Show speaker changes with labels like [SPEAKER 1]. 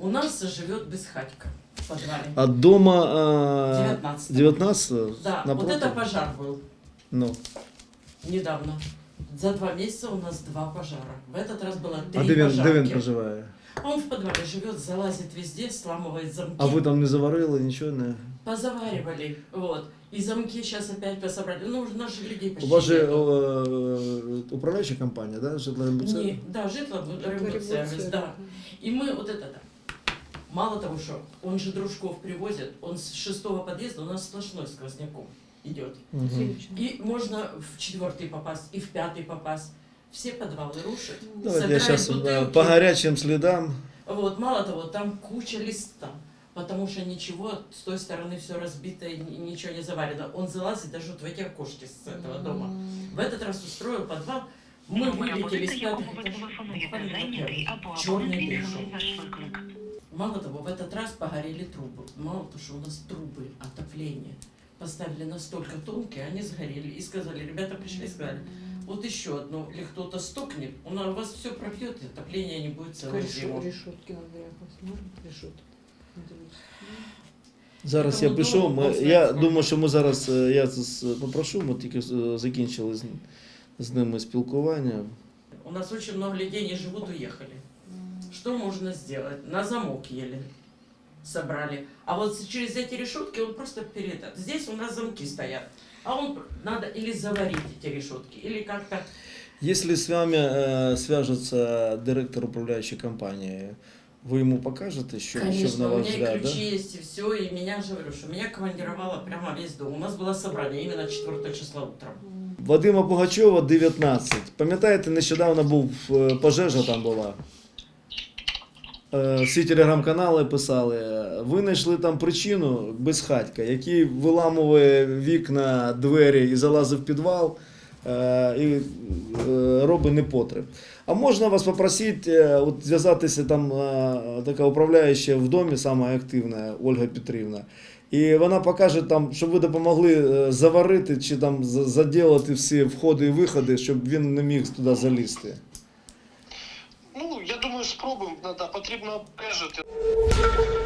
[SPEAKER 1] У нас живет Бесхатько в подвале.
[SPEAKER 2] А дома 19
[SPEAKER 1] Да,
[SPEAKER 2] напротив?
[SPEAKER 1] вот это пожар был
[SPEAKER 2] Ну.
[SPEAKER 1] недавно. За 2 месяца у нас 2 пожара. В этот раз было 3
[SPEAKER 2] А де він
[SPEAKER 1] пожарки.
[SPEAKER 2] проживає?
[SPEAKER 1] Он в подвале живет, залазит везде, сламывает замки.
[SPEAKER 2] А ви там не заварили, нічого не?
[SPEAKER 1] Позаваривали, вот. И замки сейчас опять пособрали. Ну, уже наших людей
[SPEAKER 2] У
[SPEAKER 1] почти
[SPEAKER 2] вас же
[SPEAKER 1] нету.
[SPEAKER 2] управляюча компанія, да? Житлорембудсервіс?
[SPEAKER 1] Не, да, Житло-Рембудсервис, да. И мы вот это, мало того, что он же дружков привозит, он с 6-го подъезда у нас сплошной сквозняком идет.
[SPEAKER 2] Угу.
[SPEAKER 1] И можно в 4-й попасть, и в 5-й попасть. Все подвалы рушат,
[SPEAKER 2] Давайте я
[SPEAKER 1] собирают
[SPEAKER 2] сейчас
[SPEAKER 1] бутылки.
[SPEAKER 2] по горячим следам.
[SPEAKER 1] Вот, мало того, там куча листа, потому что ничего, с той стороны все разбито, и ничего не заварено. Он залазит даже вот в эти окошки с этого дома. В этот раз устроил подвал, мы вылетели с 5-х этажей, черный пришел. Мало того, в этот раз погорели трубы. Мало того, что у нас трубы отопления поставили настолько тонкие, они сгорели. И сказали, ребята пришли и сказали, вот еще одно, или кто-то стукнет, у вас все пробьет, и отопление не будет целую зиму.
[SPEAKER 3] Решетки надо якось, решетки.
[SPEAKER 2] Зараз
[SPEAKER 1] Тому
[SPEAKER 2] я пішов,
[SPEAKER 1] дома
[SPEAKER 2] я
[SPEAKER 1] можна
[SPEAKER 2] думаю, що ми зараз, я попрошу, ми тільки закінчили з ними спілкування.
[SPEAKER 1] У нас очень много людей не живут, уехали. Что можно сделать? На замок еле собрали. А вот через эти решетки он просто передат. Здесь у нас замки стоят. А он надо или заварить эти решетки, или как-то...
[SPEAKER 2] Если с вами свяжется директор управляющей компании, вы ему покажете, что на
[SPEAKER 1] Конечно, у
[SPEAKER 2] ваш
[SPEAKER 1] меня и
[SPEAKER 2] взгляд,
[SPEAKER 1] ключи
[SPEAKER 2] да?
[SPEAKER 1] есть, и все, и меня же, говорю, что меня командировало прямо весь дом. У нас было собрание именно 4 числа утром.
[SPEAKER 2] Вадима Пугачова, 19. Пам'ятаєте, нещодавно був пожежа там була. Всі телеграм-канали писали, ви знайшли там причину Бесхатька, який виламує вікна, двері і залазив в підвал і робить непотреб. А можна вас попросити, от зв'язатися, там така управляюча в домі, сама активна, Ольга Петрівна, і вона покаже, там, щоб ви допомогли заварити чи там заділити всі входи і виходи, щоб він не міг туди залізти.
[SPEAKER 4] Ну, я думаю, спробуємо, потрібно обмежити.